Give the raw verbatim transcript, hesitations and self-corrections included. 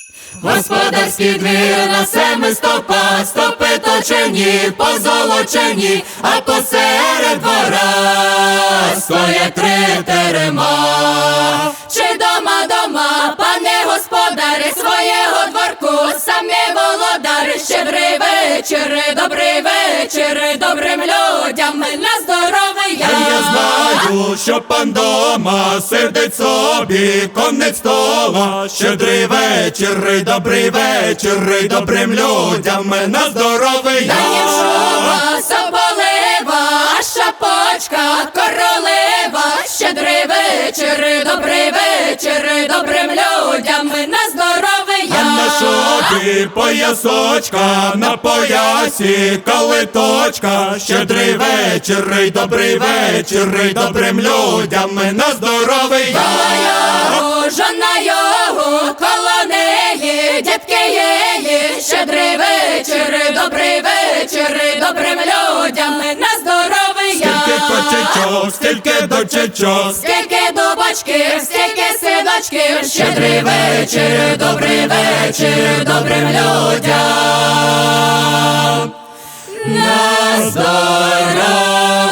Господарський двір на семи стовпах, стовпи точені, позолочені, а посеред двора стоять три терема. Чи дома дома, пане господарі, своєго дворку, самі володарі. Щедрий вечір, добрий вечір, добрим людям на здоров'я. Я знаю, що пан дома сердить собі конець стола. Щедрий вечір, добрий вечір, добрим людям на здоров'я. Даєм шуба, соболева, а шапочка королева. Щедрий вечір, добрий вечір, добрим людям на здоров'я. А на шубі поясочка, на поясі калиточка. Щедрий вечір, добрий вечір, добрим людям на здоров'я. Коло його, жона його, коло неї, дітки її. Щедрий вечір, добрий вечір, добрим людям на здоров'я. Скільки кочечок, скільки дочечок, Скільки дубочків, скільки синочків. Щедрий вечір, добрий вечір, добрим людям на здоров'я.